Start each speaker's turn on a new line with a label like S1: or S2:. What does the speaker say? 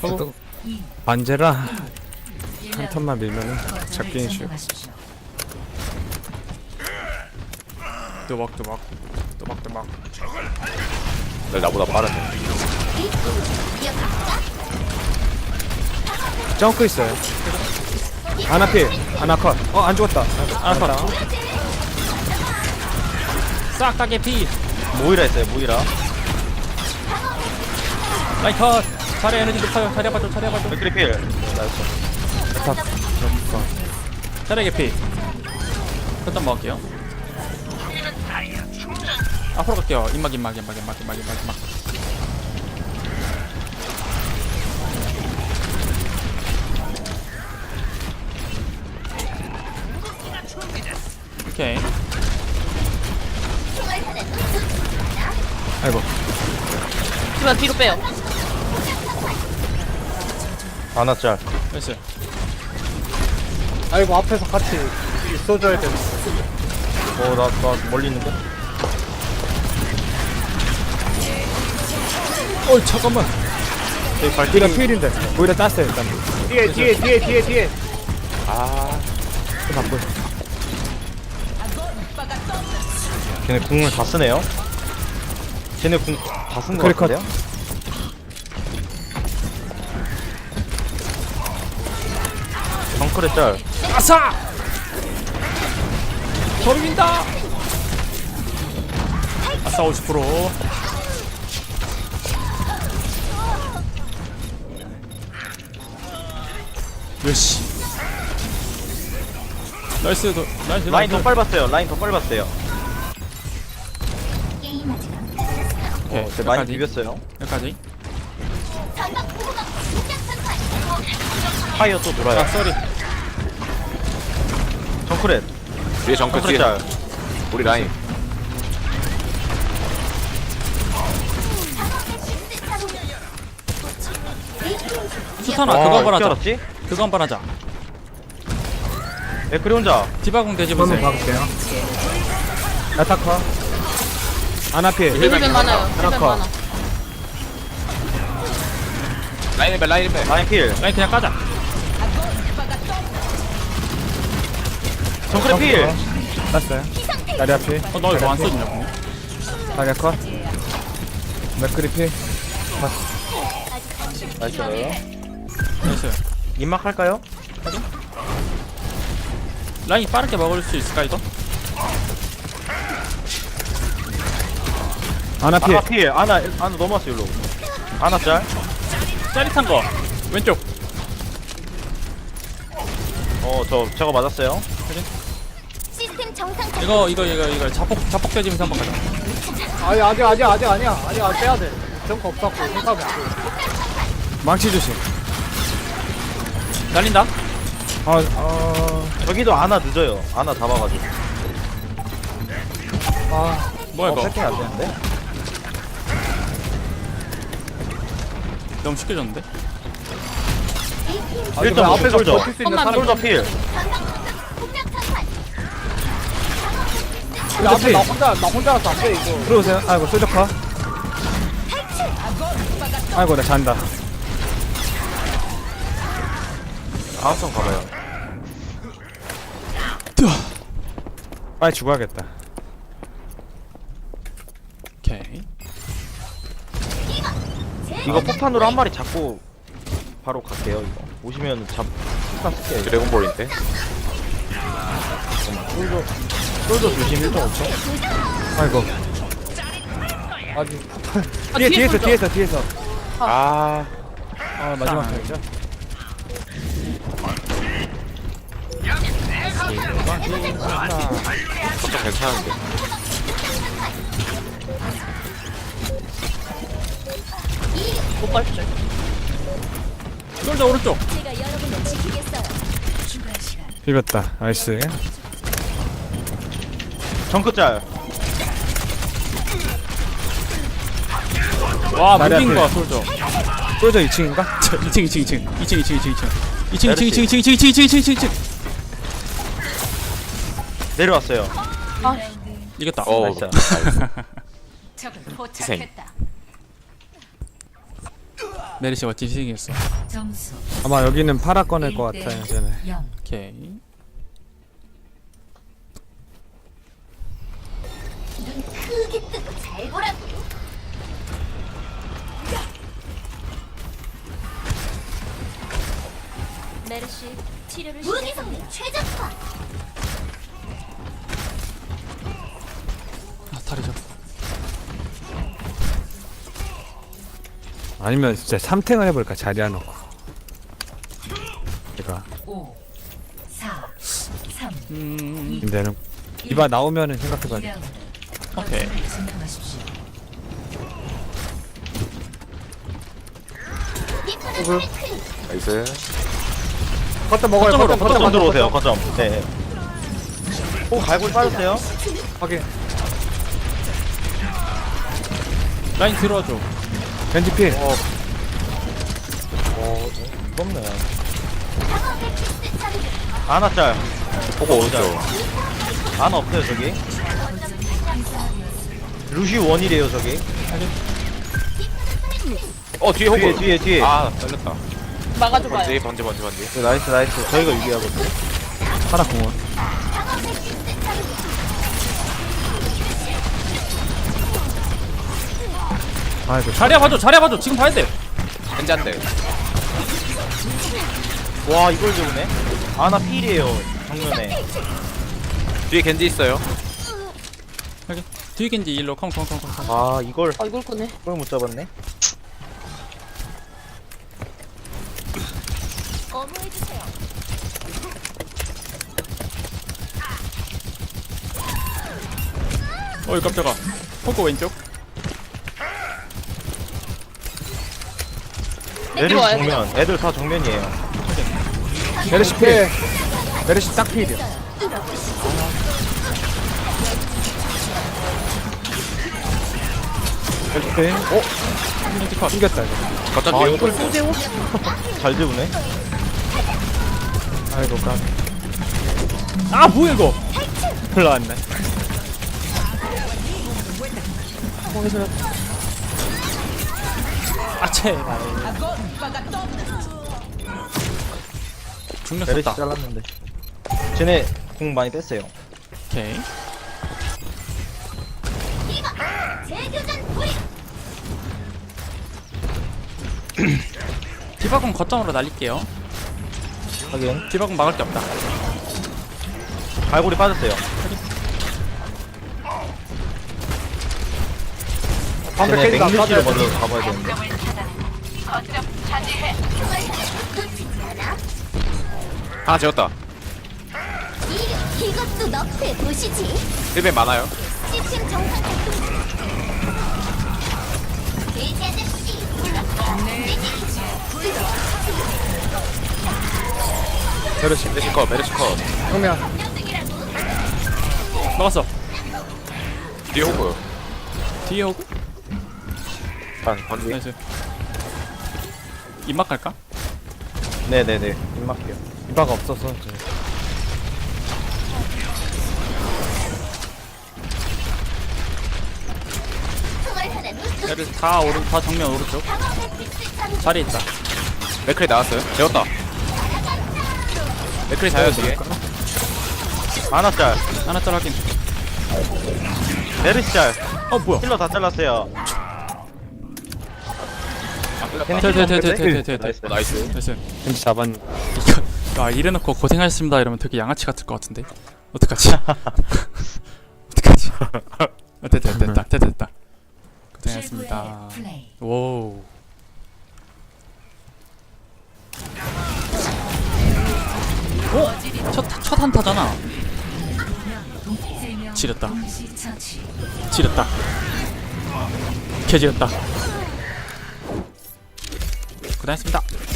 S1: 또 안제라 한 턴만 밀면은 잡기는 쉬워. 또막
S2: 널 나보다 빠르네.
S1: 점크 있어요. 아나필 아나컷. 안 죽었다.
S3: 아나컷. 싹 다 개피.
S2: 모이라 했어요. 모이라.
S3: 라인 컷. 자리 에너지 높아요. 자리 아파줘. 자리 아파줘.
S2: 맥크리필. 나였어.
S3: 자리 개피. 일단 먹을게요. 앞으로 갈게요. 임막. 오케이.
S1: 아이고.
S4: 그러면 뒤로 빼요.
S2: 아나짤.
S3: 됐어요.
S5: 아이고 앞에서 같이 있어줘야 돼.
S2: 나 멀리 있는데?
S1: 잠깐만.
S2: 저기
S1: 보이라
S2: 발길이.
S1: 필인데. 보이라 땄어요 일단.
S5: 뒤에.
S1: 좀 바꿔.
S2: 걔네 궁을 다 쓰네요? 걔네 궁 다 쓴 거
S1: 크리컷.
S2: 같은데요? 정크레 짤.
S3: 아싸! 저리 민다! 아싸 50%. 몇시? 나이스.
S2: 라인 더 빨봤어요. 라인 더 빨봤어요.
S3: 오케이,
S2: 제 많이
S3: 여기까지.
S2: 비볐어요.
S3: 여기까지.
S2: 파이어 또 돌아요.
S3: 아 쏘리.
S2: 정크렛.
S6: 뒤에 정크
S2: 정크렛
S6: 뒤에
S2: 짤.
S6: 우리 라인
S3: 수탄아 그거 한번 하자.
S2: 알았지?
S3: 그거 한번 하자.
S2: 맥크리 혼자.
S3: 디바공 대지
S1: 한번
S3: 보세요.
S1: 박을게요. 야타커. 아나필.
S4: 힐벤 많아요. 힐벤
S1: 하나
S4: 많아.
S6: 라인 배
S2: 라인 필.
S3: 라인 그냥 까자.
S2: 정크렛 필.
S1: 땄어요. 다리 앞필.
S3: 너 이거 안 써주냐고.
S1: 다리 컷. 맥크리 필.
S2: 나이스.
S3: 됐어요.
S2: 입막 할까요?
S3: 라인 빠르게 먹을 수 있을까 이거?
S1: 아나필.
S2: 아나 필. 아나 넘어왔어 일로. 아나 짤.
S3: 짜릿한 거 왼쪽.
S2: 저거 맞았어요.
S7: 시스템 정상
S3: 이거 자폭 대지면서 한번 가자.
S5: 아니야. 아직 빼야 돼. 정거 없었고 생각이 안 돼.
S1: 망치 조심.
S3: 날린다.
S2: 저기도 아나 늦어요. 아나 잡아가지고.
S3: 뭐야 이거?
S2: 세팅이 안 되는데?
S3: 너무 쉽게 졌는데?
S2: 일단
S5: 앞에서
S2: 솔져.
S5: 버틸 수 있는
S4: 험만
S5: 사람.
S2: 솔져 필.
S5: 근데 앞에 나 혼자라서 안 돼 이거.
S1: 들어오세요. 아이고 쏘적커. 아이고 나 잔다.
S2: 다음 턴 가봐요.
S1: 빨리 죽어야겠다.
S3: 오케이.
S2: 이거 폭탄으로 한 마리 잡고 바로 갈게요. 이거 오시면 폭탄 쓸게요.
S6: 드래곤볼인데
S2: 솔져 조심 1.5초.
S1: 아이고.
S5: 아직
S1: 뒤에서.
S2: 아
S1: 마지막 턴이죠.
S6: 좀 괜찮은데
S4: 못 밟죠.
S3: 솔저 오른쪽.
S7: 제가 여러분을 지키겠어요.
S1: 비볐다. 나이스.
S2: 정크 짤.
S3: 와
S1: 다리
S3: 무빙
S1: 앞에.
S3: 거 솔저.
S1: 쏠져 2층인가?
S3: 2층.
S2: 내려왔어요.
S3: 이겼다.
S2: 나이스.
S6: 희생
S3: 메리시가 뒤지겠어.
S8: 점수
S1: 아마 여기는 파라 꺼낼 것 같아요 쟤네.
S8: 0.
S3: 오케이.
S7: 눈 크게 뜨고 잘 보라고. 메르시 치료를 무기 성능 최적화.
S3: 아 다리 잡.
S1: 아니면 진짜 3탱을 해볼까 자리야 놓고. 제가
S8: 5 4 3
S1: 근데는 디바 나오면은 생각해봐야 돼.
S8: 2라운드.
S3: 오케이.
S8: 진행하십시오.
S6: 나이스.
S5: 거점 먹어요. 거점
S2: 거점 들어오세요. 거점. 네. 오 갈고리 빠졌어요.
S5: 확인.
S3: 라인 들어와줘.
S1: 겐지 필.
S2: 무섭네. 아나 짤.
S6: 보고 오죠.
S2: 아나 없어요 저기. 루시 원이래요 저기.
S6: 뒤에 호구.
S2: 뒤에.
S6: 아 잘렸다.
S4: 막아줘봐요.
S6: 번지.
S2: 네, 나이스. 저희가 유리하거든요.
S1: 파라 공원. 아이고
S3: 자리야 봐줘. 자리야 봐줘. 지금 봐야 돼.
S6: 현자인데.
S2: 와 이걸 좋네. 아나 필이에요 정면에.
S6: 뒤에 겐지 있어요.
S3: 여기 뒤에 겐지 일로 컴컴컴컴.
S2: 아 이걸
S4: 아 이걸 꺼내.
S2: 못 잡았네.
S7: 어머해주세요.
S3: 어이 깜짝아. 포코 왼쪽.
S2: 애들
S4: 와야
S2: 정면. 애들 다 정면이에요.
S1: 메르시 필. 메르시 딱 필이야. 메르시 필.
S3: 겐지 컷.
S1: 이겼다 이거.
S6: 거점 뒤에 호구.
S2: 잘 재우네.
S1: 아이고 깜.
S3: 아 뭐야 이거.
S1: 흘러왔네.
S3: 아 제발. 중력
S2: 메르시
S3: 썼다.
S2: 잘랐는데. 쟤네 공 많이 뺐어요.
S3: 오케이.
S7: 재교전 불이.
S3: 디바공 거점으로 날릴게요.
S2: 하긴
S3: 디바공 막을 게 없다.
S2: 갈고리 빠졌어요.
S5: 방금
S2: 쟤네
S5: 깨진다.
S2: 맹물지를
S5: 빠져야 돼.
S2: 먼저 가봐야 되는데.
S6: 하나 재웠다.
S7: 이것도 너프에 보시지.
S6: 1벤 많아요.
S7: 시스템 정상 작동 중. 돼지 아저씨.
S6: 메르시 컷.
S5: 정면.
S3: 막았어.
S6: 뒤에 호구요.
S3: 뒤에 오고.
S6: 번지.
S3: 나이스. 입막 갈까?
S2: 네네네. 입막해요.
S1: 디바가 없어서 저.
S3: 얘를 다 정면 오른쪽. 자리 있다.
S6: 맥크리 나왔어요. 재웠다. 맥크리 자요 뒤에.
S2: 아나 짤.
S3: 하나 짤 확인.
S2: 메르시 짤.
S3: 어 뭐야?
S2: 힐러 다 잘랐어요.
S3: 돼.
S2: 나이스.
S6: 나이스.
S3: 나이스.
S1: 겐지 잡았.
S3: 이거 이래놓고 고생하셨습니다 이러면 되게 양아치 같을 것 같은데. 어떡하지? 어떡하지? 됐다. 고생하셨습니다.
S8: 최고의 플레이.
S3: 오. 첫 한타잖아. 지렸다.
S8: 동시처치.
S3: 지렸다. 개지렸다. 고생하셨습니다.